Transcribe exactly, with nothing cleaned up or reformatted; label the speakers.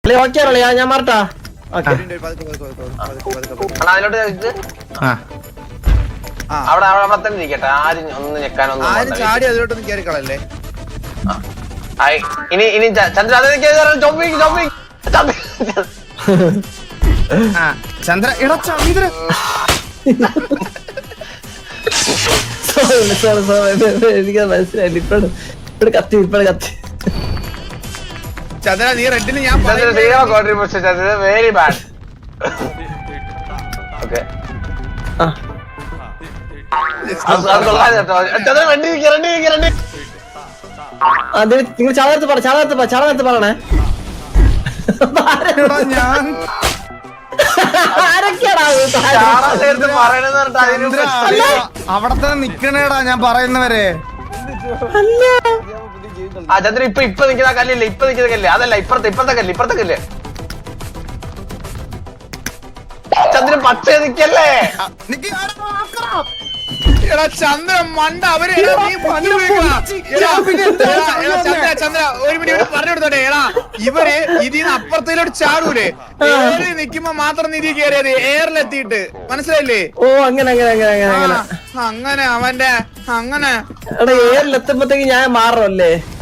Speaker 1: Okay ആണല്ലേ ഞാൻ മാറട്ടാ.
Speaker 2: Okay
Speaker 3: അവിടെ അവിടെ തന്നെ ഇരിക്കട്ടെ. ആരും ഒന്ന് ഞെക്കാനൊന്നും
Speaker 2: ആരും ചാടി അതിലോട്ടൊന്നും കയറി കളല്ലേ.
Speaker 3: ഇനി ഇനി ചന്ദ്ര
Speaker 2: ചന്ദ്ര എടാ ചന്ദ്ര
Speaker 1: എനിക്ക് മനസ്സിലായില്ല. ഇപ്പഴ ഇവിടെ കത്തി ഇപ്പഴ കത്തി.
Speaker 2: ചന്ദ്ര നീ റെഡിന് ഞാൻ
Speaker 3: കോൺട്രിബ്യൂഷൻ വെരി ബാഡ്. ഓക്കെ
Speaker 1: നിങ്ങൾ ചാളത്ത് പറ ചാളത്ത് പറ ചാളത്ത് പറയണേ.
Speaker 2: ഞാൻ അവിടെ തന്നെ നിക്കണേടാ ഞാൻ പറയുന്നവരെ.
Speaker 3: ആ ചന്ദ്രൻ ഇപ്പൊ ഇപ്പൊ നിൽക്കുന്ന കല്ലില്ലേ, ഇപ്പൊ നിൽക്കുന്ന കല്ല് അതല്ല, ഇപ്പുറത്തെ ഇപ്പുറത്തെ കല്ല് ഇപ്പുറത്തെ കല്ല്. ചന്ദ്രൻ പച്ച നിക്കല്ലേ.
Speaker 2: എടാ ചന്ദ്ര മണ്ട അവര് ചന്ദ്ര ഒരു മിനിറ്റ് പറഞ്ഞു കൊടുത്തോട്ടെ. എടാ ഇവര് ഇതിന്ന് അപ്പുറത്തേലോട്ട് ചാടൂലേ, ഏറിൽ നിക്കുമ്പോ മാത്രം നിധി കയറിയത് എയറിലെത്തിയിട്ട് മനസ്സിലായില്ലേ?
Speaker 1: ഓ അങ്ങനെ അങ്ങനെ അങ്ങനെ അങ്ങനെ
Speaker 2: അങ്ങനെ അവന്റെ അങ്ങനെ
Speaker 1: എടാ ഏറിലെത്തുമ്പത്തേക്ക് ഞാൻ മാറല്ലേ.